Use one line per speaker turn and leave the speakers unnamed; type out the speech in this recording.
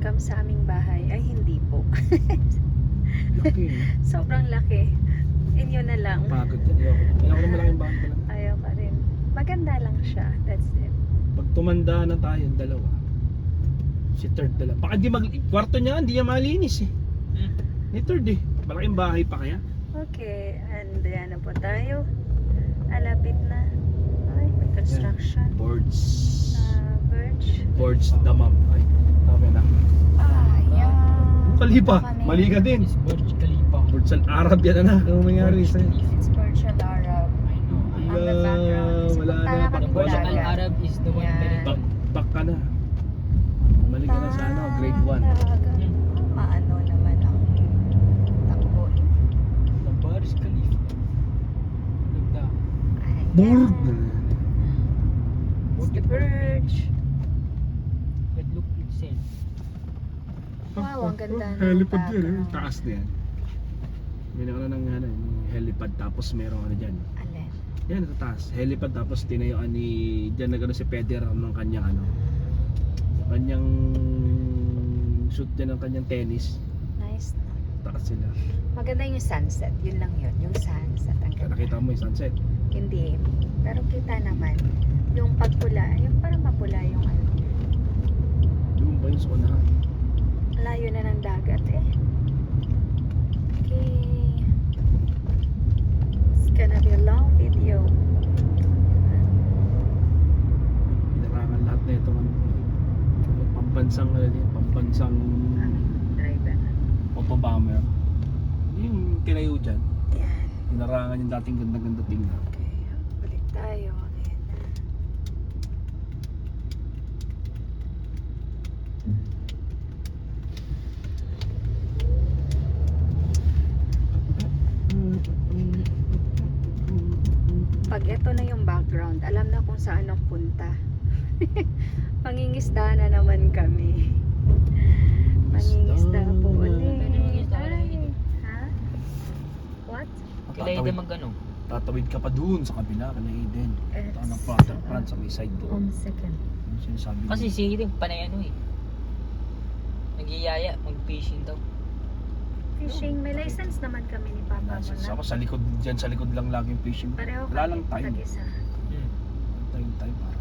welcome sa aming bahay. Ay, hindi po.
Laki eh.
Sobrang laki. Inyo na lang.
Pagod yan. Ayoko na malaking bahay ko lang.
Ayaw ka rin. Maganda lang siya. That's it.
Pag tumanda na tayo, dalawa. Si third dalawa. Baka di kwarto niya, hindi niya malinis eh. Ni third eh. Malaking bahay pa kaya?
Okay. And yan na po tayo. Alapit na. Ay, may construction.
Boards.
Birch.
Boards damam. Ay, tama na.
Ayan.
Kalipa.
Kami.
Mali ka din.
It's Burj Khalifa.
Boards al Arab yan na. Ano mangyari
Burj
sa'yo?
Khalifa.
It's Burj Al Arab.
I know.
On the background. Kasi
Wala
punta
na.
na kami
The Burj
dagat.
Al Arab is the one
Yeah.
very
Back,
tall.
back ka na. Mali ka na sa ano, grade 1.
Maano naman ang takbo.
The Burj Khalifa. Ganda.
Ayan.
Burg.
It's the Burj.
But look itself.
Wow, ang ganda ng
Helipad yan eh.
background.
Taas na yan. May na ng ano, ng helipad tapos merong ano dyan.
Alin?
Yan, sa taas. Helipad tapos tinayuan ni dyan nagano si Federer ng kanyang ano. Kanyang shoot dyan ng kanyang tennis.
Nice.
Taas sila.
Maganda yung sunset. Yun lang yun. Yung sunset. Ang
Kaya
ganda.
nakita mo yung sunset.
Hindi. Pero kita naman. Yung pagpula. Yung parang mapula yung ano.
Doon ba yung sa unahan?
Layo na ng dagat eh. Okay. It's gonna be a long video.
Pinarangan lahat na itong ano. Pambansang ano din. Pambansang
Driver.
Papa-bomber. Yung tinayo dyan.
Yan.
Pinarangan yung dating ganda-ganda tingnan.
Okay. Balik tayo. Ayan na. Pag ito na yung background, alam na kung saan ang punta. Mangingisda na naman kami. Mangingisda po ulit.
Pwede mangingisda ka lang
Ay.
dito.
Ha? What?
Kailangan din mag-ano.
Tatawid ka pa doon sa kabila, kana Eden.
It's,
Ano front sa may side doon.
second.
Yung sinasabi mo.
Kasi si Eden, panay ano eh. Nagyayaya, mag-fishing daw.
Fishing, may license naman kami ni Papa mo na.
Ako sa likod, dyan sa likod lang lagi yung fishing.
Pareho
Wala
kami,
lang time.
tag-isa.
Hmm.
Time para.